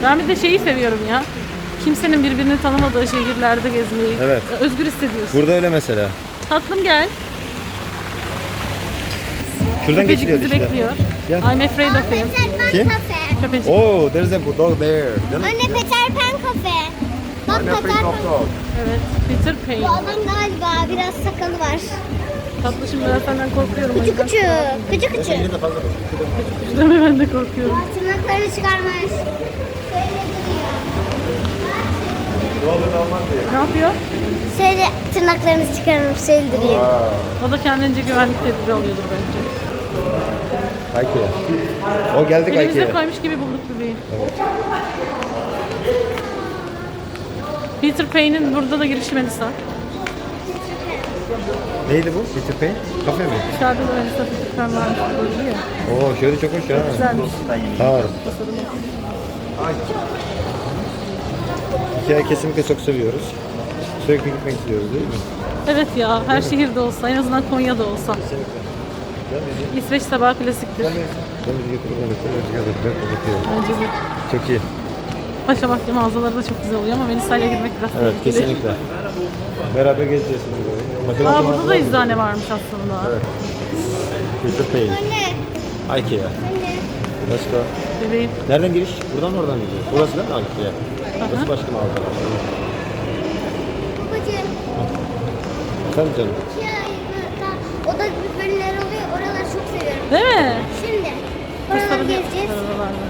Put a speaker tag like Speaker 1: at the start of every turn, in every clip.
Speaker 1: Ben bir de şeyi seviyorum ya. Kimsenin birbirini tanımadığı şehirlerde gezmeyi.
Speaker 2: Evet.
Speaker 1: Özgür hissediyorsun.
Speaker 2: Burada öyle mesela.
Speaker 1: Tatlım gel.
Speaker 2: Şuradan
Speaker 1: Köpecik
Speaker 2: geçiliyor
Speaker 1: bizi
Speaker 2: işte.
Speaker 1: bekliyor.
Speaker 2: Gel.
Speaker 1: I'm afraid of him.
Speaker 2: Kim?
Speaker 1: Köpecik.
Speaker 2: Oh, there's a dog there. Canım.
Speaker 3: Anne Peter Pan kafe. Bak
Speaker 2: I'm
Speaker 3: Peter
Speaker 2: afraid
Speaker 3: Pan.
Speaker 2: of dog.
Speaker 1: Evet. Peter
Speaker 3: Bu
Speaker 1: Pan.
Speaker 3: adam galiba biraz sakalı var.
Speaker 1: Tatlışım ben senden korkuyorum.
Speaker 3: Küçük küçük. Küçük küçük.
Speaker 2: Yine de fazla.
Speaker 1: Deme ben de korkuyorum.
Speaker 3: Tırnaklarını çıkarmış. Şöyle duruyor.
Speaker 1: Ne yapıyor?
Speaker 3: Şöyle tırnaklarını çıkarmış. Şöyle duruyor.
Speaker 1: O da kendince güvenlik tedbiri alıyordur bence.
Speaker 2: Ikea. O geldik
Speaker 1: Elimize
Speaker 2: Ikea'ya.
Speaker 1: koymuş gibi bulduk bebeği. Peter Pan'in burada da girişi Melisa.
Speaker 2: Neydi bu? Peter Pan? Kafe mi?
Speaker 1: Dışarıda da Melisa Peter Pan varmış böyle ya.
Speaker 2: Oo, şöyle çok hoş ya.
Speaker 1: Güzelmiş.
Speaker 2: Tamam. Ikea'yı kesinlikle çok seviyoruz. Sürekli gitmek istiyoruz değil mi?
Speaker 1: Evet ya, her şehirde olsa, en azından Konya'da olsa.
Speaker 2: Kesinlikle. Gel bizi.
Speaker 1: İsveç tabağı klasiktir.
Speaker 2: Gel bizi. Gel bizi götürürüm.
Speaker 1: Bence de.
Speaker 2: Çok iyi.
Speaker 1: Paşa Bahçe mağazaları da çok güzel oluyor ama Melisa'yla girmek biraz
Speaker 2: Evet,
Speaker 1: tehlikeli.
Speaker 2: kesinlikle. Beraber gezeceğiz şimdi böyle.
Speaker 1: Aa, burada da eczane varmış aslında.
Speaker 2: Evet. Peter Pan.
Speaker 3: Anne.
Speaker 2: Ikea.
Speaker 3: Anne.
Speaker 2: Let's go.
Speaker 1: Bebeğim.
Speaker 2: Nereden giriş? Buradan mı oradan mı gidiyor? Burası değil mi Ikea? Burası başka mağaza.
Speaker 3: Babacığım.
Speaker 2: Sen canım.
Speaker 3: Oda gibi bölümler oluyor. Oraları çok seviyorum.
Speaker 1: Değil mi?
Speaker 3: Şimdi. Oraları
Speaker 1: Sarı-
Speaker 3: gezeceğiz.
Speaker 1: sarılarla.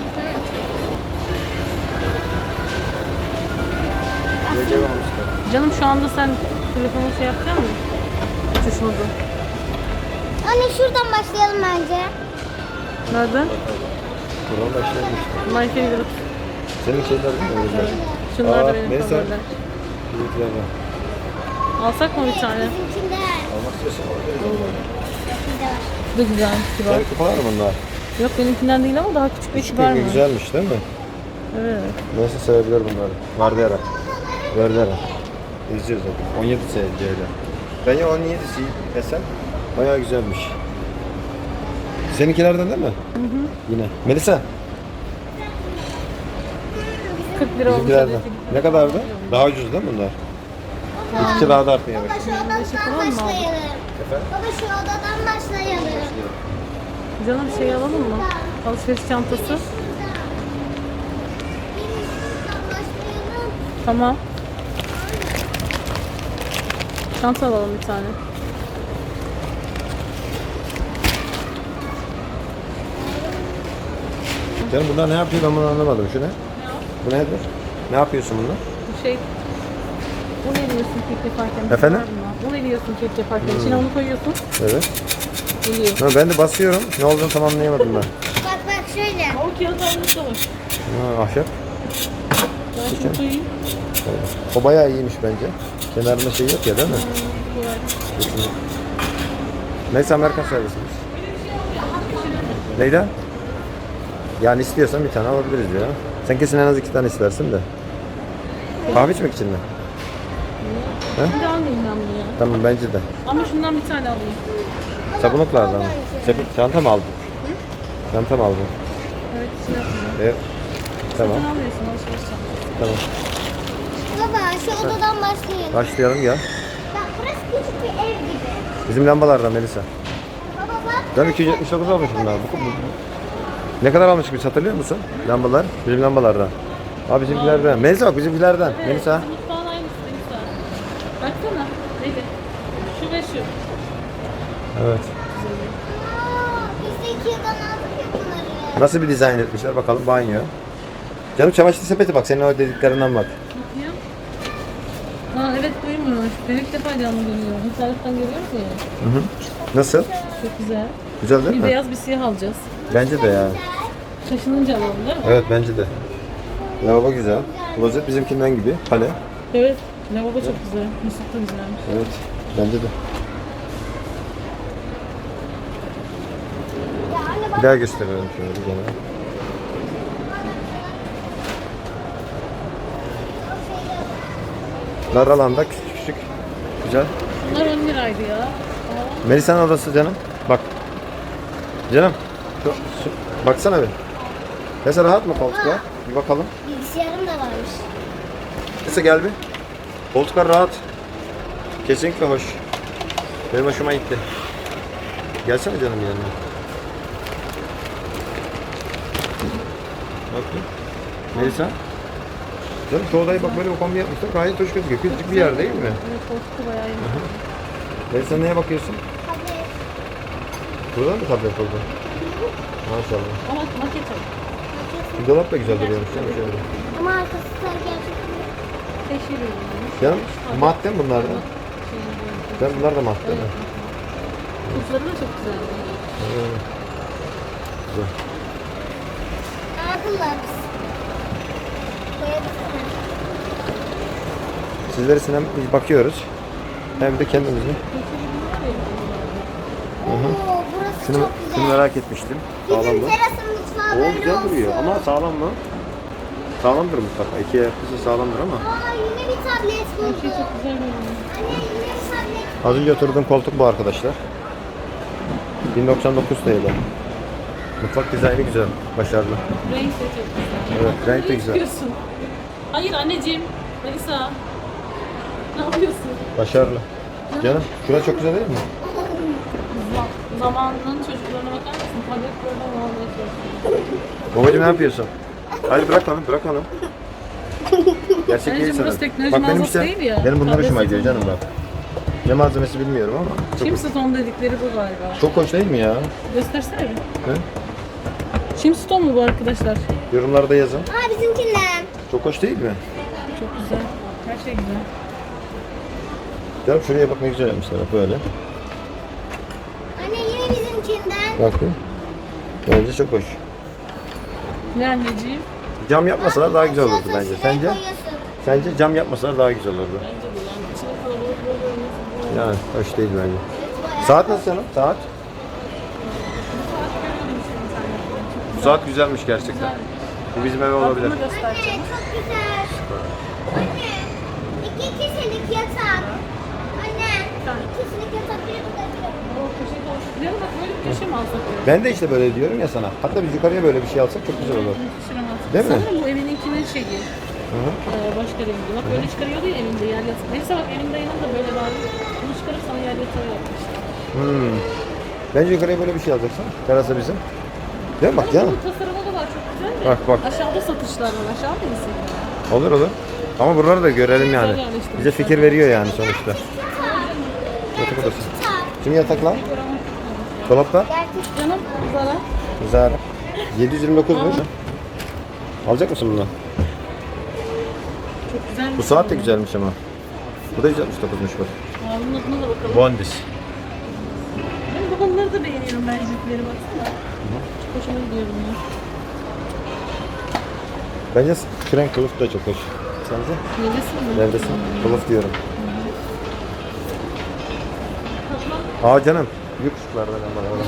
Speaker 2: Gece varmışlar.
Speaker 1: Canım şu anda sen telefonu şey yapacak mısın? Uçuş modu.
Speaker 3: Anne şuradan başlayalım bence.
Speaker 1: Nereden?
Speaker 2: Buradan başlayalım işte.
Speaker 1: My favorite.
Speaker 2: Senin şeyler değil mi? Öyle.
Speaker 1: Şunlar da
Speaker 2: Aa,
Speaker 1: benim
Speaker 2: neyse.
Speaker 1: favoriler.
Speaker 2: Büyüklerden.
Speaker 1: Alsak mı bir tane?
Speaker 3: Bizimkinde.
Speaker 2: Almak istiyorsan alabiliriz.
Speaker 3: Bizimkinde var.
Speaker 1: Bu da güzelmiş kibar.
Speaker 2: Senin kupalar mı bunlar?
Speaker 1: Yok benimkinden değil ama daha küçük ve
Speaker 2: Küçük
Speaker 1: kibar mı?
Speaker 2: güzelmiş değil mi?
Speaker 1: Evet.
Speaker 2: Nasıl sevebilir bunları? Vardera. Vardera. İzliyoruz zaten. 17 SC'yle. Ben ya 17'si desem bayağı güzelmiş. Seninkilerden değil mi? Hı hı. Yine. Melisa.
Speaker 1: 40 lira olmuş.
Speaker 2: Bizimkilerden.
Speaker 1: adeti.
Speaker 2: Ne kadardı? Daha ucuz değil mi bunlar? İki daha da artmaya
Speaker 3: Baba
Speaker 2: bak.
Speaker 3: şu odadan
Speaker 1: falan mı aldın?
Speaker 3: başlayalım.
Speaker 2: Efendim?
Speaker 3: Baba şu odadan başlayalım.
Speaker 1: Canım şey alalım mı? Alışveriş çantası.
Speaker 3: Şuradan başlayalım.
Speaker 1: Tamam. Çanta alalım bir tane.
Speaker 2: Canım bunlar ne yapıyor ben bunu anlamadım. Şu ne? Bu nedir? Ne yapıyorsun bunlar?
Speaker 1: Bu şey... Bu ne diyorsun kek yaparken?
Speaker 2: Efendim?
Speaker 1: Bu ne diyorsun kek yaparken? İçine onu koyuyorsun.
Speaker 2: Evet.
Speaker 1: Geliyor.
Speaker 2: Ha, ben de basıyorum. Ne olduğunu tam anlayamadım ben.
Speaker 3: Bak bak şöyle.
Speaker 1: O kağıt almışsa var.
Speaker 2: Ha, ahşap.
Speaker 1: Ben şunu koyayım.
Speaker 2: O bayağı iyiymiş bence. Kenarında şey yok ya değil mi?
Speaker 1: Kolay.
Speaker 2: Neyse Amerikan servisimiz. Neyden? Yani istiyorsan bir tane alabiliriz ya. Sen kesin en az 2 tane istersin de. Kahve içmek için mi?
Speaker 1: Şimdi almayayım ben bunu ya.
Speaker 2: Tamam bence de.
Speaker 1: Ama şundan bir tane alayım.
Speaker 2: Sabunluklardan mı? Çanta mı aldın? Çanta mı aldın?
Speaker 1: Evet içine atayım.
Speaker 2: Evet. Tamam.
Speaker 1: Sen almıyorsun alışveriş çantası.
Speaker 2: Tamam.
Speaker 3: Baba şu odadan başlayalım.
Speaker 2: Başlayalım ya.
Speaker 3: Bak burası küçük bir ev gibi.
Speaker 2: Bizim lambalardan Melisa.
Speaker 3: Baba bak.
Speaker 2: Ben 279 almış bunlar. Ne kadar almıştık biz hatırlıyor musun? Lambalar. Bizim lambalardan. Abi bizimkilerden. Melisa bak bizimkilerden.
Speaker 1: Evet,
Speaker 2: Melisa.
Speaker 1: mutfağın aynısı Melisa. Baksana. Neydi? Şu ve şu.
Speaker 2: Evet.
Speaker 3: Biz de 2 yıldan aldık ya bunları.
Speaker 2: Nasıl bir dizayn etmişler bakalım banyo. Canım çamaşır sepeti bak senin o dediklerinden bak.
Speaker 1: Bakayım. Ha evet buymuş. Ben ilk defa canlı görüyorum. İnternetten görüyoruz ya.
Speaker 2: Hı hı. Nasıl?
Speaker 1: Çok güzel.
Speaker 2: Güzel değil
Speaker 1: Bir
Speaker 2: mi?
Speaker 1: beyaz bir siyah alacağız.
Speaker 2: Bence de ya.
Speaker 1: Şaşınınca alalım değil mi?
Speaker 2: Evet bence de. Lavabo güzel. Klozet bizimkinden gibi. Kale.
Speaker 1: Evet. Lavabo çok güzel. Musluk da güzelmiş.
Speaker 2: Evet. Bence de.
Speaker 3: Ya anne bak.
Speaker 2: Bir daha gösterelim şöyle bir gene. Dar alanda küçük küçük. Güzel.
Speaker 1: Bunlar 10 liraydı ya.
Speaker 2: Melisa'nın odası canım. Bak. Canım. Baksana bir. Mesela rahat mı koltuklar? Bir bakalım.
Speaker 3: Bilgisayarım da varmış.
Speaker 2: Neyse gel bir. Koltuklar rahat. Kesinlikle hoş. Benim hoşuma gitti. Gelsene canım yanına. Bak bir. Melisa. Canım şu odayı bak böyle bir kombi yapmışlar. Gayet hoş gözüküyor. Küçücük bir yer değil mi?
Speaker 1: Evet, koltuğu bayağı iyi.
Speaker 2: Melisa neye bakıyorsun?
Speaker 3: Hadi.
Speaker 2: Burada mı tablet oldu? Maşallah.
Speaker 1: Ama maket al.
Speaker 2: Bir dolap da güzel duruyormuş canım şöyle.
Speaker 3: Ama arkası da gerçekten.
Speaker 1: Teşhir edilmiş.
Speaker 2: Canım madde mi bunlar da? Ben bunlar da madde mi?
Speaker 1: Kutları da çok güzel.
Speaker 2: Evet. Güzel.
Speaker 3: Akıllı biz. Koyabilirsene.
Speaker 2: Sizleri hem biz bakıyoruz hem de kendimizi.
Speaker 3: Oo, burası
Speaker 2: Şunu,
Speaker 3: çok
Speaker 2: şunu
Speaker 3: güzel.
Speaker 2: merak etmiştim. Sağlam
Speaker 3: Bizim
Speaker 2: mı?
Speaker 3: terasın mutfağı
Speaker 2: O
Speaker 3: böyle
Speaker 2: güzel
Speaker 3: olsun.
Speaker 2: duruyor ama sağlam mı? Sağlamdır mutlaka. İki yapısı sağlamdır ama.
Speaker 3: Aa, yine bir tablet
Speaker 1: Her şey
Speaker 3: buldum.
Speaker 1: çok güzel görünüyor.
Speaker 3: Anne yine bir tablet.
Speaker 2: Az önce oturduğum koltuk bu arkadaşlar. 1099 TL. Mutfak dizaynı güzel, başarılı.
Speaker 1: Renk de çok güzel.
Speaker 2: Evet, renk de güzel.
Speaker 1: Yapıyorsun. Hayır anneciğim. Melisa. Ne yapıyorsun?
Speaker 2: Başarılı. Canım, şurası çok güzel değil mi?
Speaker 1: Zamanının çocuklarına bakar mısın? Tablet program almaya çalışıyor.
Speaker 2: Babacığım ne yapıyorsun? Hayır bırak onu, bırak onu. Gerçek
Speaker 1: Anneciğim,
Speaker 2: değil sana.
Speaker 1: burası teknoloji
Speaker 2: Bak benim
Speaker 1: mağazası
Speaker 2: işte,
Speaker 1: değil ya.
Speaker 2: benim bunlar
Speaker 1: Tablet
Speaker 2: hoşuma gidiyor
Speaker 1: satın.
Speaker 2: canım bak. Ne malzemesi bilmiyorum ama. Çok,
Speaker 1: Chimstone dedikleri bu galiba.
Speaker 2: çok hoş değil mi ya?
Speaker 1: Göstersene bir.
Speaker 2: He?
Speaker 1: Chimstone mu bu arkadaşlar?
Speaker 2: Yorumlarda yazın.
Speaker 3: Aa, bizimkinden.
Speaker 2: Çok hoş değil mi?
Speaker 1: Çok güzel. Her şey güzel.
Speaker 2: Canım şuraya bak ne güzel yapmışlar bak böyle.
Speaker 3: Anne yine bizimkinden.
Speaker 2: Bak bir. Bence çok hoş.
Speaker 1: Ne anneciğim?
Speaker 2: Cam yapmasalar daha güzel olurdu bence.
Speaker 3: Şuraya
Speaker 2: Sence?
Speaker 3: koyuyorsun.
Speaker 2: Sence cam yapmasalar daha güzel olurdu.
Speaker 1: Bence de yani içine kalabalık böyle olması bu.
Speaker 2: Yani hoş değil bence. Saat nasıl canım? Saat? Bu saat güzelmiş gerçekten. Bu bizim eve olabilir.
Speaker 1: Bunu göstereceğim.
Speaker 3: Anne çok güzel. Anne. 2 kişilik yatak. Anne. 2 kişilik yatak biri burada biri.
Speaker 1: O köşeyi dolaştırıyor. Bak böyle bir köşe mi alsak?
Speaker 2: Ben de işte böyle diyorum ya sana. Hatta biz yukarıya böyle bir şey alsak çok güzel olur. Değil mi?
Speaker 1: Sanırım bu evininkinin şeyi.
Speaker 2: Hı hı.
Speaker 1: Başka rengi. Bak böyle çıkarıyordu ya evinde yer yatağı. Neyse bak evinde yanında böyle var. Bunu çıkarıp sana yer yatağı yapmışlar.
Speaker 2: Bence yukarıya böyle bir şey alacaksın. Terasa bizim. Değil mi? Bak canım.
Speaker 1: Bu tasarımı da var çok güzel de.
Speaker 2: Bak, bak.
Speaker 1: Aşağıda satışlar var. Aşağı mıyız?
Speaker 2: Olur olur. Ama buraları da görelim yani.
Speaker 1: Güzel yerleştirmişler.
Speaker 2: Bize fikir veriyor yani sonuçta. Yatak odası. Şimdi yataklar. Dolaplar.
Speaker 1: Canım Zara.
Speaker 2: Güzel. 729 mu? Alacak mısın bunu?
Speaker 1: Çok güzel.
Speaker 2: Bu saat de güzelmiş ama. Bu da 169'muş bak.
Speaker 1: Bunun adına da bakalım.
Speaker 2: Bondis.
Speaker 1: Ben babamları da beğeniyorum ben jipleri baksana. Çok hoşuma gidiyor bunlar.
Speaker 2: Bence Frank kılıf da çok hoş. Sence?
Speaker 1: Neredesin mi?
Speaker 2: Neredesin? Kılıf diyorum. Aa canım. Büyük ışıklardan ama.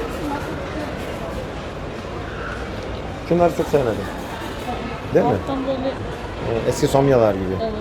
Speaker 2: Şunları çok sevmedim. Değil mi?
Speaker 1: Alttan böyle
Speaker 2: Eski somyalar gibi.
Speaker 1: evet.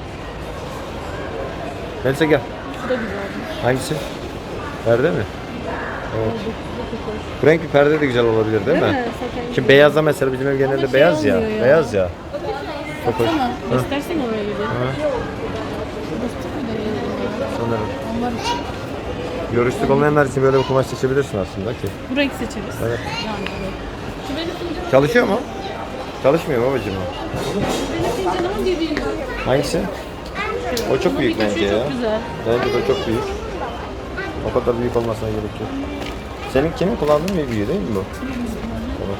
Speaker 2: Melisa gel.
Speaker 1: Bu da güzel.
Speaker 2: Hangisi? Perde mi? Evet.
Speaker 1: Bu çok hoş.
Speaker 2: Bu renk bir perde de güzel olabilir değil mi?
Speaker 1: Zaten
Speaker 2: Şimdi beyazda mesela bizim ev genelde
Speaker 1: şey
Speaker 2: beyaz ya.
Speaker 1: olmuyor ya.
Speaker 2: Beyaz ya. Çok hoş.
Speaker 1: Baksana. Göstersene oraya bir. Bastık mı da
Speaker 2: Sanırım.
Speaker 1: onlar için.
Speaker 2: Görüşlük olmayanlar için böyle bir kumaş seçebilirsin aslında ki.
Speaker 1: Bu renk seçeriz.
Speaker 2: Evet.
Speaker 1: Yani evet. Şu benim fincanım.
Speaker 2: Çalışıyor mu? Çalışmıyor babacığım o.
Speaker 1: Benim fincanımın dediği gibi.
Speaker 2: Hangisi? O çok büyük bence ya.
Speaker 1: Çok güzel.
Speaker 2: Bence de çok büyük. O kadar büyük olmasına gerek yok. Senin kimin kullandığın bir büyüğü değil mi bu? Evet.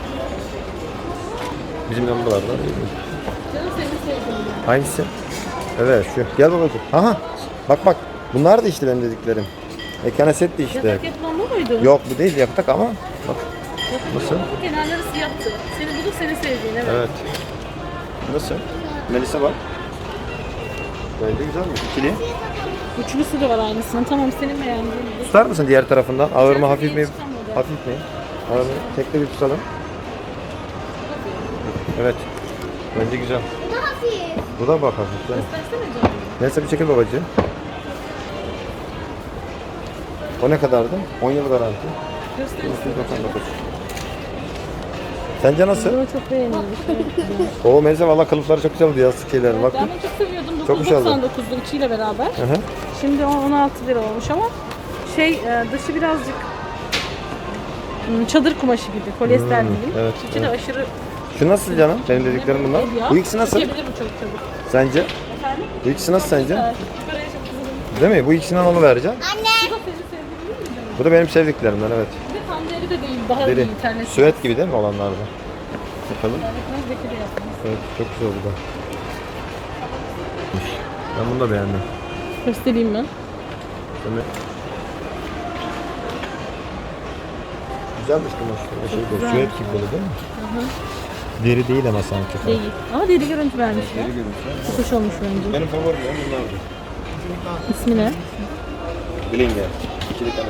Speaker 2: Bizim lambalardan değil mi?
Speaker 1: Canım seni sevdim.
Speaker 2: Hangisi? Evet şu. Gel babacığım. Aha. Bak bak. Bunlar da işte benim dediklerim. Ekran setti işte.
Speaker 1: Yatak yatman bu muydu?
Speaker 2: Yok bu değil yatak ama. Bak. Nasıl?
Speaker 1: Kenarları siyahtı. Seni bulduk seni sevdiğin evet.
Speaker 2: Evet. Nasıl? Melisa bak. Bence güzel mi? İkili.
Speaker 1: Üçlüsü de var aynısının. Tamam senin beğendiğin gibi.
Speaker 2: Tutar mısın diğer tarafından? Ağır mı hafif mi?
Speaker 1: Çıkan model.
Speaker 2: Hafif mi? Ağır mı? Tekli bir tutalım. Evet. Bence güzel.
Speaker 3: Bu da hafif.
Speaker 2: Bu da bak hafif. değil mi?
Speaker 1: Göstersene canım.
Speaker 2: Neyse bir çekil babacığım. O ne kadardı? 10 yıl garanti.
Speaker 1: Göstersene.
Speaker 2: 299. Sence nasıl?
Speaker 1: Bunu çok beğenilmiş. Evet, güzel.
Speaker 2: O Melisa valla kılıfları çok güzel oldu ya sık şeyler. Bak.
Speaker 1: Ben bunu çok seviyordum.
Speaker 2: Çok güzel oldu.
Speaker 1: 9.99'du içiyle beraber.
Speaker 2: Hı hı.
Speaker 1: Şimdi 16 lira olmuş ama dışı birazcık çadır kumaşı gibi, polyester değil.
Speaker 2: evet,
Speaker 1: İçi de aşırı
Speaker 2: Şu nasıl canım? Senin dediklerin bunlar.
Speaker 1: ya.
Speaker 2: Bu ikisi nasıl?
Speaker 1: Çekebilir bu çok çabuk.
Speaker 2: Sence?
Speaker 1: Efendim?
Speaker 2: Bu ikisi nasıl sence?
Speaker 1: Şuraya çok güzel.
Speaker 2: Değil mi? Bu ikisinden onu vereceğim.
Speaker 3: Anne.
Speaker 1: Bu da senin sevdiğin değil mi?
Speaker 2: Bu da benim sevdiklerimden evet.
Speaker 1: Bir de tam deri de değil, daha
Speaker 2: Deri.
Speaker 1: iyi internet.
Speaker 2: Süet gibi değil mi olanlarda? Bakalım.
Speaker 1: Zeki de yapmış.
Speaker 2: Evet çok güzel bu da. Ben bunu da beğendim.
Speaker 1: Göstereyim ben.
Speaker 2: Değil mi? Güzelmiş kumaş. Böyle şey
Speaker 1: güzel.
Speaker 2: süet gibi böyle değil mi? Deri değil ama sanki.
Speaker 1: Değil. Ama deri görüntü vermişler.
Speaker 2: Deri görünüyor.
Speaker 1: Çok hoş olmuş bence.
Speaker 2: Benim favorim bunlardı.
Speaker 1: İsmi ne?
Speaker 2: Blinger. İkili kanepe.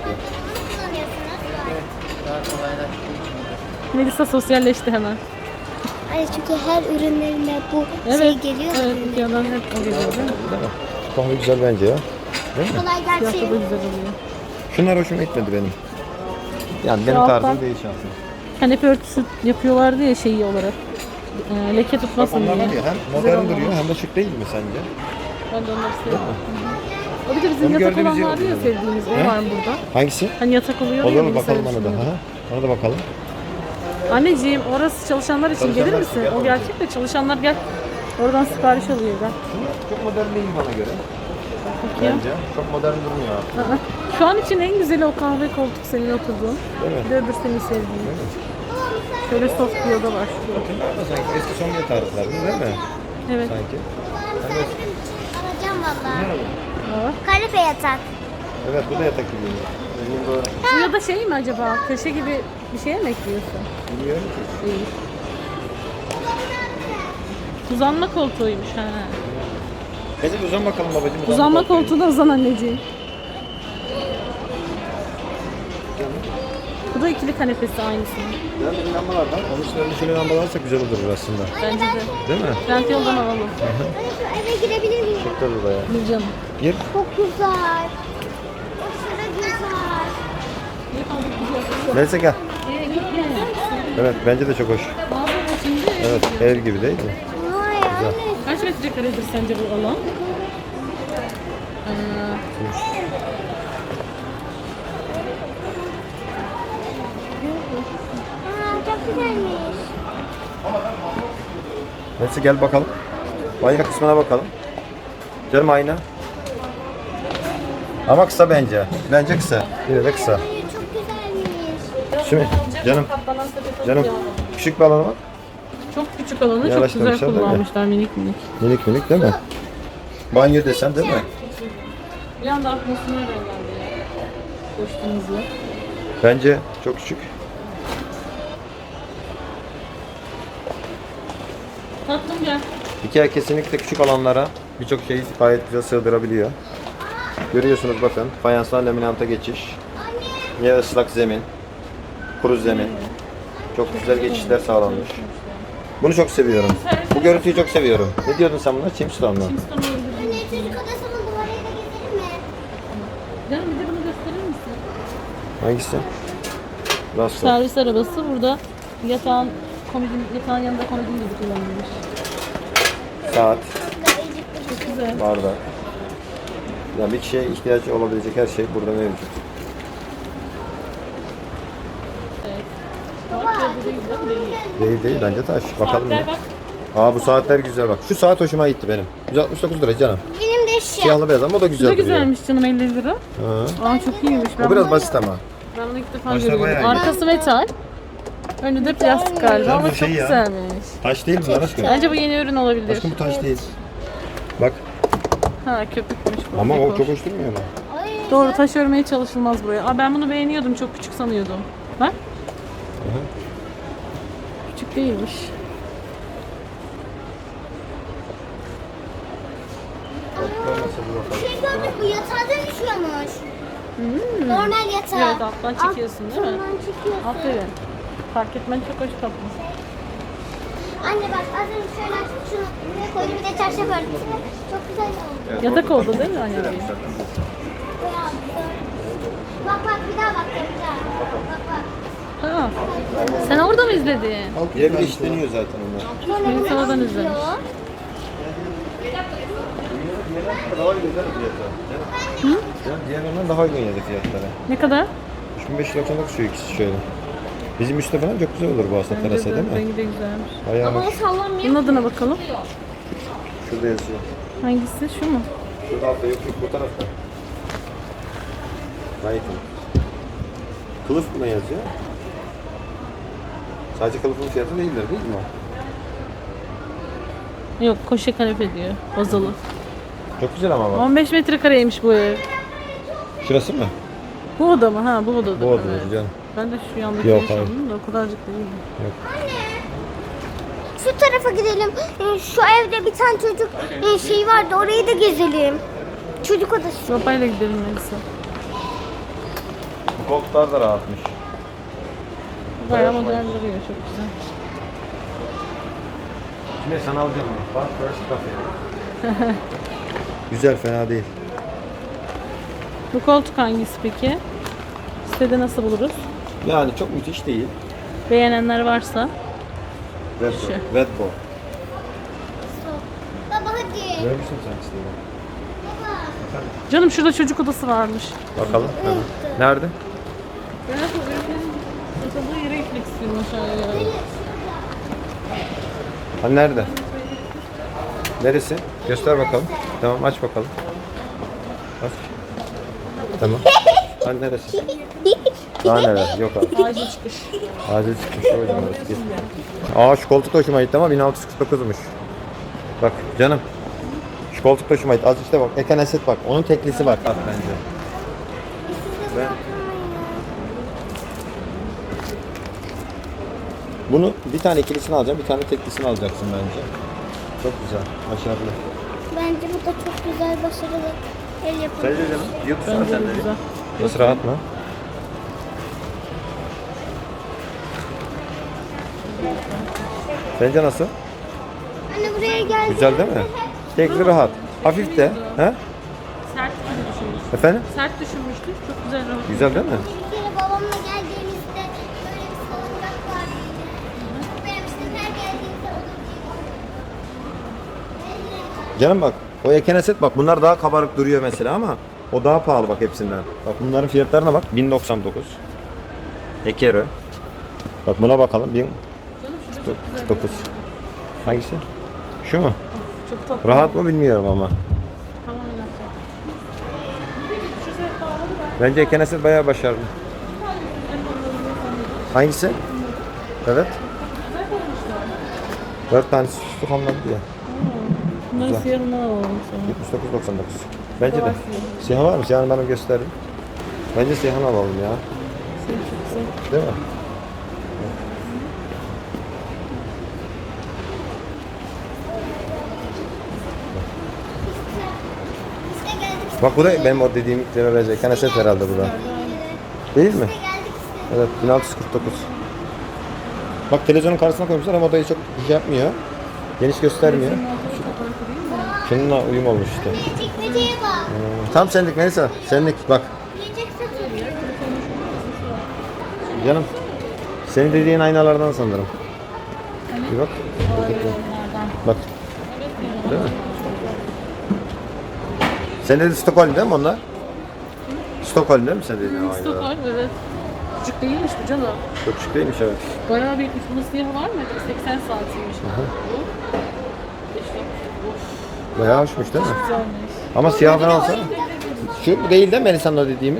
Speaker 1: Melisa sosyalleşti hemen.
Speaker 3: Ay çünkü her ürünlerine bu
Speaker 1: Evet.
Speaker 3: şey geliyor.
Speaker 1: Evet, Ikea'dan hep o geliyor değil mi?
Speaker 2: Değil mi? Kahve güzel bence ya. Değil mi?
Speaker 3: Kolay
Speaker 1: Fiyatı da
Speaker 3: gelsin.
Speaker 1: güzel oluyor.
Speaker 2: Şunlar hoşuma gitmedi benim. Yani benim
Speaker 1: alttan-
Speaker 2: tarzım değil şahsen.
Speaker 1: Kanepe örtüsü yapıyorlardı ya şeyi olarak. Leke
Speaker 2: Bak
Speaker 1: tutmasın
Speaker 2: onlar
Speaker 1: diye.
Speaker 2: var ya hem
Speaker 1: Güzel
Speaker 2: modern
Speaker 1: olmalı.
Speaker 2: duruyor hem de şık değil mi sence?
Speaker 1: Ben de onları seviyorum. O bir de bizim
Speaker 2: Onu
Speaker 1: yatak
Speaker 2: gördüğümüz
Speaker 1: olan
Speaker 2: yer
Speaker 1: vardı ya
Speaker 2: oluyor.
Speaker 1: sevdiğimiz. O
Speaker 2: He?
Speaker 1: var burada.
Speaker 2: Hangisi?
Speaker 1: Hani yatak oluyor ya.
Speaker 2: Olur mu
Speaker 1: bilgisayar
Speaker 2: bakalım ona da.
Speaker 1: üstünde.
Speaker 2: Ha? Ona da bakalım.
Speaker 1: Anneciğim orası çalışanlar için
Speaker 2: Çalışanlar
Speaker 1: gelir
Speaker 2: için
Speaker 1: misin?
Speaker 2: gel
Speaker 1: O
Speaker 2: oraya.
Speaker 1: gerçek de çalışanlar gel. Oradan sipariş alıyor ben.
Speaker 2: Şunlar çok modern değil bana göre.
Speaker 1: Bakayım.
Speaker 2: Bence. Çok modern durmuyor artık.
Speaker 1: Aa, Şu an için en güzeli o kahve koltuk senin oturduğun.
Speaker 2: Değil mi?
Speaker 1: Bir de öbür senin sevdiğin. Şöyle soft bir oda var şurada.
Speaker 2: Bunlar da sanki eski Sonya tarzları değil mi?
Speaker 1: Evet.
Speaker 2: Sanki.
Speaker 3: Alacağım valla.
Speaker 1: Aa.
Speaker 3: Kanepe yatak.
Speaker 2: Evet bu da yatak gibi. Benim doğru.
Speaker 1: Bu ya da şey mi acaba? Köşe gibi bir şeye mi ekliyorsun?
Speaker 2: Bilmiyorum ki.
Speaker 1: Değil. Uzanma koltuğuymuş ha.
Speaker 2: Neyse uzan bakalım babacığım.
Speaker 1: Uzanma koltuğuna uzan anneciğim. Bu da ikili kanepesi aynısının.
Speaker 2: Ya bizim lambalardan. Onun üstlerinde şöyle lambalar alsak güzel olur aslında.
Speaker 1: Bence de.
Speaker 2: Değil mi?
Speaker 1: Rent yoldan alalım.
Speaker 3: Anne şu eve girebilir miyim?
Speaker 2: Çok da burada ya.
Speaker 1: Bir canım.
Speaker 2: Gir.
Speaker 3: Çok güzel. Aşırı güzel.
Speaker 2: Neyse gel. Evet bence de çok hoş. Evet ev gibi değil mi?
Speaker 3: Vay anne.
Speaker 1: Kaç metrekaredir sence bu alan?
Speaker 3: Çok güzelmiş.
Speaker 2: Neyse gel bakalım. Banyo kısmına bakalım. Canım ayna. Ama kısa bence. Bence kısa. Yine de kısa.
Speaker 3: Ay çok güzelmiş.
Speaker 2: Şimdi canım. Canım. Küçük bir alana bak.
Speaker 1: Çok küçük alanı çok güzel
Speaker 2: Yavaşlamışlar, değil mi?
Speaker 1: kullanmışlar minik minik.
Speaker 2: Minik minik değil mi? Banyo desen değil mi?
Speaker 1: Bir anda atmosfer geldi ya. Koştuğumuzda.
Speaker 2: Bence çok küçük.
Speaker 1: Tatlım gel.
Speaker 2: Ikea kesinlikle küçük alanlara birçok şeyi gayet güzel sığdırabiliyor. Görüyorsunuz bakın fayanstan laminanta geçiş. Ya ıslak zemin, kuru zemin. Çok güzel geçişler sağlanmış. Bunu çok seviyorum. Bu görüntüyü çok seviyorum. Ne diyordun sen buna? Chimstone'la.
Speaker 3: Anne çocuk odasının duvarıyla gezelim mi?
Speaker 1: Canım bir de bunu gösterir misin?
Speaker 2: Hangisi? Rasto.
Speaker 1: Servis arabası burada yatağın yanında komodin gibi kullanılmış.
Speaker 2: Saat,
Speaker 1: Çok güzel.
Speaker 2: bardak. Yani bir kişiye ihtiyaç olabilecek her şey burada mevcut.
Speaker 1: Evet. Bak ya bu değil değil mi?
Speaker 2: Değil değil bence taş. Bakalım
Speaker 1: Saatler
Speaker 2: ya.
Speaker 1: bak.
Speaker 2: Aa bu saatler güzel bak. Şu saat hoşuma gitti benim. 169 lira canım.
Speaker 3: Benim de şu.
Speaker 2: Siyahlı beyaz ama o da
Speaker 1: Bu
Speaker 2: güzel
Speaker 1: da
Speaker 2: duruyor.
Speaker 1: güzelmiş canım 50 lira.
Speaker 2: Ha.
Speaker 1: Aa çok iyiymiş.
Speaker 2: O biraz basit ama.
Speaker 1: Ben bunu ilk defa
Speaker 2: Başta
Speaker 1: görüyorum.
Speaker 2: bayağı iyi.
Speaker 1: Arkası metal. Önü de plastik galiba
Speaker 2: Güzel
Speaker 1: ama
Speaker 2: bir
Speaker 1: çok
Speaker 2: şey ya.
Speaker 1: güzelmiş.
Speaker 2: Taş değil bunlar aşkım.
Speaker 1: Bence bu yeni ürün olabilir.
Speaker 2: Aşkım bu taş değil. Bak
Speaker 1: Ha köpükmüş bu.
Speaker 2: ama o
Speaker 1: dekor.
Speaker 2: çok hoş durmuyor mu?
Speaker 3: Ay,
Speaker 1: Doğru taş örmeye çalışılmaz buraya. Aa ben bunu beğeniyordum. Çok küçük sanıyordum. Bak.
Speaker 2: Hı.
Speaker 1: Küçük değilmiş.
Speaker 3: şey gördük bu yatağa dönüşüyormuş. Normal yatağa.
Speaker 1: Evet alttan çekiyorsun değil mi?
Speaker 3: Alttan çekiyorsun.
Speaker 1: Aferin. Fark etmen çok hoş tatlı.
Speaker 3: Anne bak az önce şöyle açtım şunu buraya koydum bir de çarşaf örtüm. Çok güzel oldu.
Speaker 1: Yatak oldu değil mi anne?
Speaker 3: Bak bak bir daha bak bir daha. Bak bak.
Speaker 1: Ha. Sen orada mı izledin?
Speaker 2: Birebir işleniyor zaten onlar.
Speaker 3: Sonra
Speaker 1: Beni
Speaker 3: bunu
Speaker 1: sonradan
Speaker 3: alıyor.
Speaker 1: izlemiş.
Speaker 2: Daha uygun değil mi fiyatları? Hı? Diğerlerinden daha uygun yedi fiyatları.
Speaker 1: Ne kadar?
Speaker 2: 3599 şu ikisi şöyle. Bizim üstte falan çok güzel olur bu aslında terasa değil mi?
Speaker 1: Rengi de güzelmiş.
Speaker 2: Bayağı
Speaker 3: Ama o
Speaker 2: hoş.
Speaker 3: sallanmıyor.
Speaker 1: Bunun adına bakalım.
Speaker 2: Şurada yazıyor.
Speaker 1: Hangisi? Şu mu?
Speaker 2: Şurada altta yok bu tarafta. Gayet iyi. Kılıf buna yazıyor. Sadece kılıfın fiyatı değildir değil mi o?
Speaker 1: Yok, koşe kanepe diyor. Bazalı.
Speaker 2: Çok güzel ama bak.
Speaker 1: 15 metrekareymiş bu ev.
Speaker 2: Şurası mı?
Speaker 1: Bu oda mı? Ha, bu odada.
Speaker 2: Bu odada
Speaker 1: evet.
Speaker 2: canım.
Speaker 1: Ben de şu yandaki
Speaker 2: Yok,
Speaker 1: sandım da o kadarcık değil.
Speaker 3: Şu tarafa gidelim. Şu evde bir tane çocuk şey vardı. Orayı da gezelim. Çocuk odası.
Speaker 1: Sopayla gidelim Melisa.
Speaker 2: Bu koltuklar da rahatmış.
Speaker 1: Bayağı modern duruyor, çok güzel.
Speaker 2: Şimdi sana alacağım bunu. Bak first cafe. Güzel, fena değil.
Speaker 1: Bu koltuk hangisi peki? Sitede nasıl buluruz?
Speaker 2: Yani çok müthiş değil.
Speaker 1: Beğenenler varsa.
Speaker 2: Redbo.
Speaker 1: Şu.
Speaker 2: Redbo.
Speaker 3: Baba hadi.
Speaker 2: Görmüşsün sen istedim.
Speaker 1: Canım şurada çocuk odası varmış.
Speaker 2: Bakalım. Nerede?
Speaker 1: Ben de bu ürünlerin satıldığı yere gitmek istiyorum aşağıya.
Speaker 2: Ha nerede? Neresi? Göster bakalım. Tamam aç bakalım. Aç. Tamam. Ha neresi? Daha neler? Yok abi.
Speaker 1: Acil çıkış.
Speaker 2: Acil çıkmış o yüzden orası. Git. Aa şu koltuk da hoşuma gitti ama 1649'muş. Bak canım. Şu koltuk da hoşuma gitti. Az işte bak. Ekaneset bak. Onun teklisi var. Bak bence. Ben... Bunu bir tane ikilisini alacağım, bir tane teklisini alacaksın bence. Çok güzel, başarılı.
Speaker 3: Bence bu da çok güzel, başarılı. El yapımı.
Speaker 2: Sence canım? Yıldız
Speaker 1: Bence
Speaker 2: sen
Speaker 1: de
Speaker 2: de.
Speaker 1: güzel.
Speaker 2: Nasıl rahat mı? Sence nasıl?
Speaker 3: Anne buraya geldi.
Speaker 2: Güzel değil mi? Tekli rahat. Hafif de. He?
Speaker 1: Sert düşünmüştük.
Speaker 2: Efendim?
Speaker 1: Sert düşünmüştük. Çok güzel rahat.
Speaker 2: Güzel değil mi?
Speaker 3: Bir kere babamla geldiğimizde böyle bir salıncak vardı yine. Benim işte her geldiğimde olur.
Speaker 2: Canım bak, o Ekeneset bak bunlar daha kabarık duruyor mesela ama o daha pahalı bak hepsinden. Bak bunların fiyatlarına bak 1099. Ekero. Bak buna bakalım 1009. Hangisi? Şu mu?
Speaker 1: Çok tatlı.
Speaker 2: Rahat mı bilmiyorum ama.
Speaker 1: Tamam öyle.
Speaker 2: Bence Ekeneset bayağı başarılı. Hangisi? Evet. 4 tanesi şu hamladı ya.
Speaker 1: Bunları
Speaker 2: Güzel.
Speaker 1: siyahından alalım sonra.
Speaker 2: 79.99. Bence de. Siyah var mı? Siyahını bana gösterin. Bence siyahını alalım ya.
Speaker 1: Siyah çok güzel.
Speaker 2: Değil mi?
Speaker 3: İşte geldik.
Speaker 2: Bak bu da benim o dediğim iklime benziyor. Kaneset herhalde bu da. Değil mi?
Speaker 3: Geldik işte.
Speaker 2: Evet 1649. Bak televizyonun karşısına koymuşlar ama odayı çok şey yapmıyor. Geniş göstermiyor. Şununla uyum olmuş işte.
Speaker 3: Çekmeceye bak.
Speaker 2: Tam senlik Melisa. Senlik bak.
Speaker 3: Yiyecek satıyor.
Speaker 2: Canım. Senin dediğin aynalardan sanırım. Bir bak. Bak. Değil mi? Sen dediğin Stockholm değil mi onlar? Stockholm değil mi sen dediğin aynalar?
Speaker 1: Stockholm evet. Küçük değilmiş bu canım.
Speaker 2: Çok küçük değilmiş evet.
Speaker 1: Bayağı büyükmüş. Bunun siyahı var mı? 80 santimmiş. Bu.
Speaker 2: Bayağı hoşmuş değil mi?
Speaker 1: Güzelmiş.
Speaker 2: Ama siyah falan olsa. Şu bu değil de Melisa'nın o dediğimiz.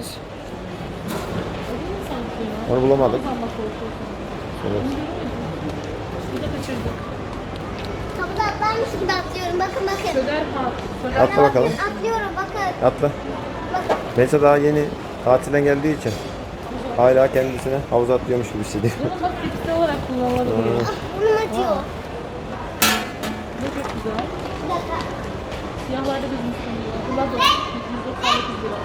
Speaker 2: Onu bulamadık. Evet.
Speaker 1: Bir de kaçırdık.
Speaker 3: Kapıda atlarmış gibi atlıyorum. Bakın bakın.
Speaker 1: Söder ha.
Speaker 2: Atla bakalım.
Speaker 3: Atlıyorum bakın.
Speaker 2: Atla.
Speaker 3: Bakın.
Speaker 2: Melisa daha yeni tatilden geldiği için hala kendisine havuza atlıyormuş gibi hissediyor.
Speaker 1: Bunu bak fiziksel olarak kullanılabilir.
Speaker 3: Ah, burnum acıyor.
Speaker 1: Bu çok güzel.
Speaker 3: Bir dakika.
Speaker 1: Siyahlarda bizim sanıyor. Bunlar da 199 lira.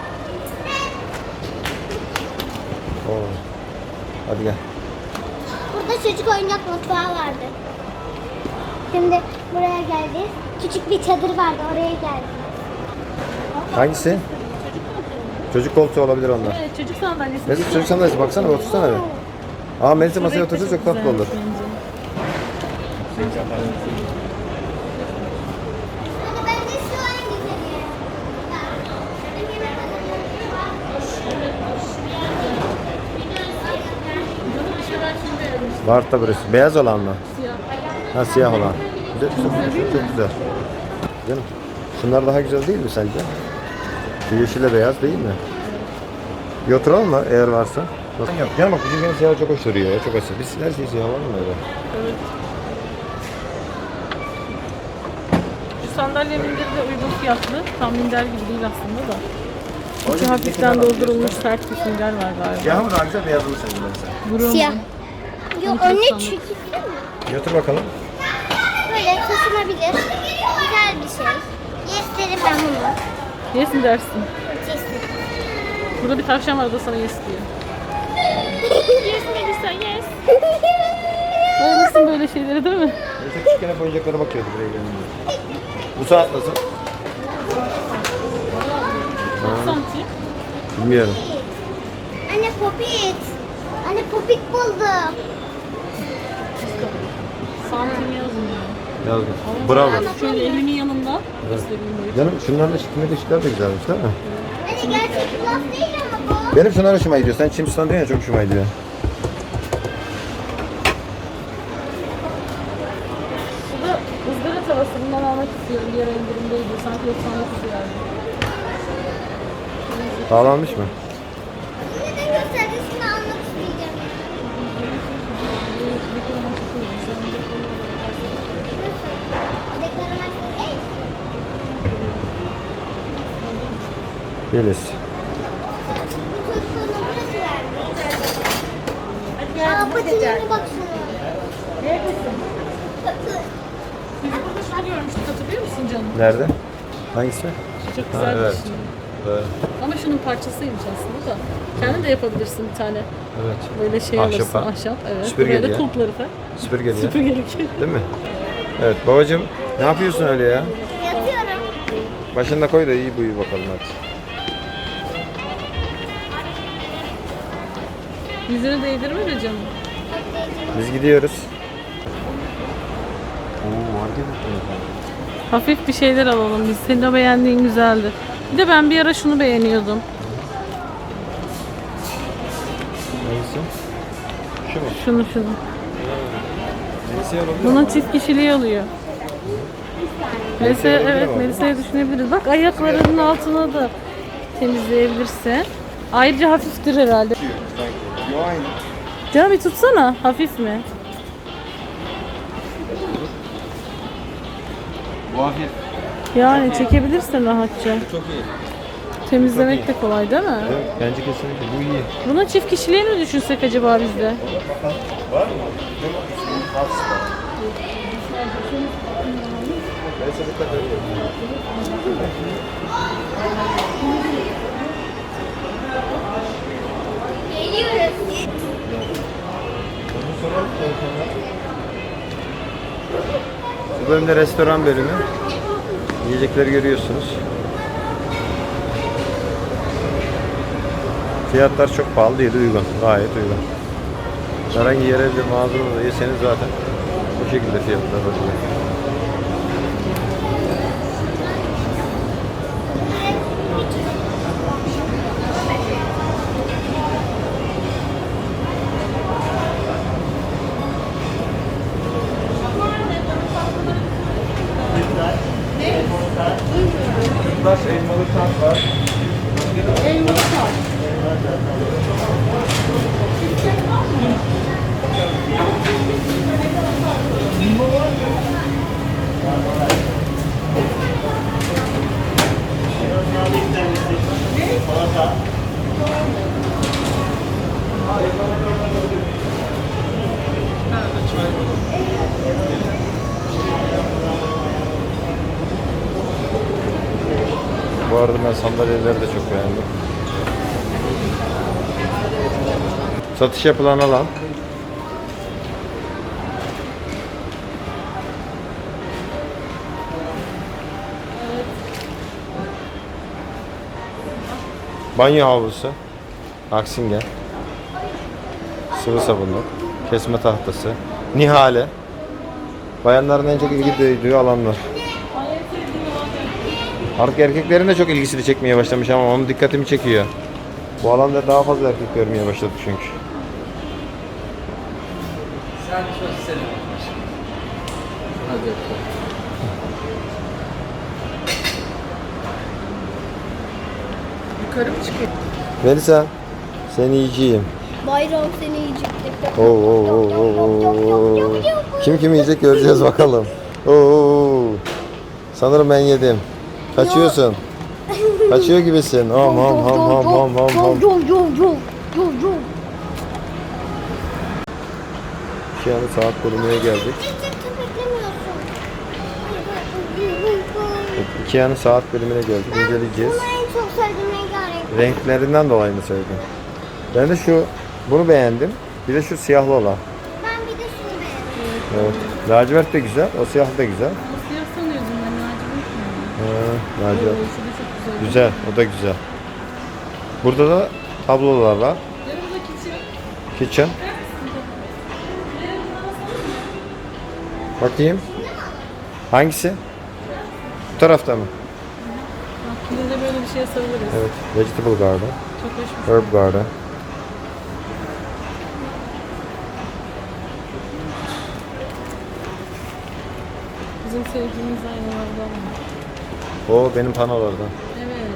Speaker 2: Oo. Hadi gel.
Speaker 3: Burada çocuk oyuncak mutfağı vardı. Şimdi buraya geldik. Küçük bir çadır vardı. Oraya geldik.
Speaker 2: Hangisi? Çocuk koltuğu olabilir onlar.
Speaker 1: Evet çocuk sandalyesi.
Speaker 2: Mesela çocuk sandalyesi baksana otursana bir. Aa Melisa masaya
Speaker 1: Bebek de
Speaker 2: otursa çok tatlı
Speaker 1: güzelmiş
Speaker 2: olur.
Speaker 1: bence.
Speaker 3: Hani bence şu an güzeli.
Speaker 2: Var da burası. Beyaz olan mı?
Speaker 1: Siyah.
Speaker 2: Ha siyah olan. Güzel, çok güzel. Canım. Şunlar daha güzel değil mi sence? Şu yeşille beyaz değil mi? Bir oturalım mı eğer varsa? Yok. Canım bak bizim benim siyah çok hoş duruyor ya. Çok asil. Biz her şey siyah var mı öyle?
Speaker 1: Evet. Şu sandalye minderi de uygun fiyatlı. Tam minder gibi değil aslında da. İçi hafiften doldurulmuş sert bir sünger var galiba.
Speaker 2: Siyah mı daha güzel beyaz mı sence Melisa?
Speaker 1: Burun.
Speaker 3: Siyah. Yok
Speaker 1: Çok
Speaker 3: anne
Speaker 1: sandım.
Speaker 3: çünkü
Speaker 2: Bir otur bakalım.
Speaker 3: böyle taşınabilir. Güzel bir şey. Yesterim ben bunu.
Speaker 1: Yes mi dersin?
Speaker 3: Yesterim.
Speaker 1: Burada bir tavşan var, o da sana yes diyor. Yes Melisa yes. Bayılırsın böyle şeylere değil mi?
Speaker 2: Melisa küçükken hep oyuncaklara bakıyordu buraya gelince. Bu saat nasıl?
Speaker 1: 30 santim.
Speaker 2: Bilmiyorum.
Speaker 3: Anne popit. Anne popit buldum.
Speaker 1: Santim yazmıyor.
Speaker 2: Yazdım. Bravo.
Speaker 1: Şöyle elimin yanında göstereyim böyle.
Speaker 2: Canım şunların ışıklı ışıklar da güzelmiş değil mi?
Speaker 3: Anne gerçek laf değil ama bu.
Speaker 2: Benim şunlar hoşuma gidiyor. Sen Çimstan diyorsun ya çok hoşuma gidiyor.
Speaker 1: Bu da ızgara tavası. Bundan almak istiyorum. Bir ara indirimdeydi. Sanki 99 liraydı.
Speaker 2: Sağlanmış mı?
Speaker 3: Neden gösterdin? Şunu almak isteyeceğim. Dekorasyon değil.
Speaker 2: Yeliz.
Speaker 3: Bu çocukluğuna burası verdi. Aa patilerine bak şuna.
Speaker 1: Biz burada şunu görmüştük. Hatırlıyor musun canım?
Speaker 2: Nerede? Hangisi?
Speaker 1: Çok
Speaker 2: Ha,
Speaker 1: güzel
Speaker 2: evet.
Speaker 1: bir şey.
Speaker 2: Evet.
Speaker 1: Ama şunun parçasıymış aslında da. Kendin de yapabilirsin bir tane.
Speaker 2: Evet.
Speaker 1: Böyle şey
Speaker 2: Ahşap
Speaker 1: alırsın,
Speaker 2: ha.
Speaker 1: ahşap. Evet.
Speaker 2: Süpürgeli
Speaker 1: Böyle
Speaker 2: ya.
Speaker 1: kulpları falan.
Speaker 2: Süpürgeli ya.
Speaker 1: Süpürgeli.
Speaker 2: Değil mi? Evet babacığım ne yapıyorsun öyle ya?
Speaker 3: Yatıyorum.
Speaker 2: Başında koy da iyi buyu bakalım hadi.
Speaker 1: Yüzünü değdirme de canım.
Speaker 2: Biz gidiyoruz. Oo hareket
Speaker 1: Hafif bir şeyler alalım biz. Senin o beğendiğin güzeldi. Bir de ben bir ara şunu beğeniyordum.
Speaker 2: Hangisi? Şu mu?
Speaker 1: Şunu.
Speaker 2: Hangisi olabilir
Speaker 1: Bunun
Speaker 2: ama.
Speaker 1: çift kişiliği oluyor.
Speaker 2: Melisa'ya olabilir
Speaker 1: Evet,
Speaker 2: ama.
Speaker 1: Melisa'ya düşünebiliriz. Bak ayaklarının altına da temizleyebilirsin. Ayrıca hafiftir herhalde.
Speaker 2: Yo aynı.
Speaker 1: Canım bir tutsana. Hafif mi?
Speaker 2: Bu hafif.
Speaker 1: Yani çekebilirsin rahatça.
Speaker 2: Çok iyi.
Speaker 1: Temizlemek de kolay değil mi?
Speaker 2: Evet, bence kesinlikle bu iyi.
Speaker 1: Bunun çift kişiliğini mi düşünsek acaba bizde?
Speaker 2: Var mı? Neyse dikkat edin.
Speaker 3: Geliyoruz.
Speaker 2: Bu bölümde restoran bölümü. Yiyecekleri görüyorsunuz. Fiyatlar çok pahalı değil, uygun. Gayet uygun. Herhangi yerel bir mağazada da yeseniz zaten bu şekilde fiyatlar oluyor. Baş elmalı tat var. Bu arada ben sandalyeleri de çok beğendim. Satış yapılan alan. Banyo havlusu. Aksingen. sıvı sabunluk, kesme tahtası, nihale. Bayanların en çok ilgi duyduğu alanlar. Artık erkeklerin de çok ilgisini çekmeye başlamış ama onun dikkatimi çekiyor. Bu alanda daha fazla erkek görmeye başladık çünkü.
Speaker 1: Yukarı mı çıkıyor?
Speaker 2: Melisa, seni yiyeceğim.
Speaker 3: Bayram seni yiyecek.
Speaker 2: Oo, oo, oo, oo, oo. Kim kimi yiyecek göreceğiz bakalım. Oo, sanırım ben yedim. Kaçıyorsun. Kaçıyor gibisin. Ham ham ham ham ham ham ham. Yani saat bölümüne geldik. Ikea'nın saat bölümüne geldik. İnceleyeceğiz.
Speaker 3: Bunu en çok sevdiğim rengarenk.
Speaker 2: Renklerinden dolayı mı sevdin? Ben de bunu beğendim. Bir de şu siyahlı olan.
Speaker 3: Ben bir de şunu beğendim.
Speaker 2: Evet. Lacivert de güzel. O siyah da güzel.
Speaker 1: Siyah sanıyordum ben, lacivert mi?
Speaker 2: Lacivert.
Speaker 1: Oo, şu da çok güzel.
Speaker 2: Güzel. O da güzel. Burada da tablolar var.
Speaker 1: Yanımda kitchen.
Speaker 2: Kitchen. Bakayım. Hangisi? Bu tarafta mı?
Speaker 1: Bak yine de böyle bir şeye sarılırız.
Speaker 2: Evet. Vegetable Garden.
Speaker 1: Çok hoş bir
Speaker 2: Herb Garden.
Speaker 1: Bizim sevdiğimiz aynalardan var.
Speaker 2: O benim panolardan.
Speaker 1: Evet.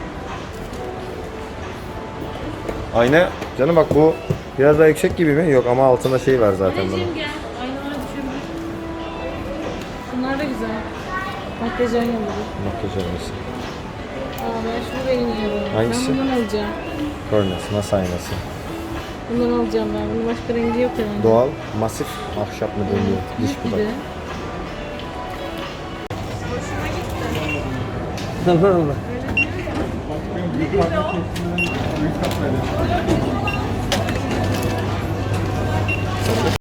Speaker 2: Ayna. Canım bak bu biraz daha yüksek gibi mi? Yok ama altında şey var zaten bunun.
Speaker 1: Anneciğim gel. Aynalara düşebilir. Bunlar da güzel. Makyaj aynaları.
Speaker 2: Makyaj aynası.
Speaker 1: Aa, ben şunu beğeniyorum.
Speaker 2: Hangisi?
Speaker 1: Ben bundan alacağım.
Speaker 2: Furnace. NASA aynası.
Speaker 1: Bundan alacağım ben. Bunun başka rengi yok herhalde.
Speaker 2: Doğal, masif ahşap mı deniyor? Diş
Speaker 1: Büyük bir
Speaker 2: budak.
Speaker 1: de.
Speaker 2: Allah Allah.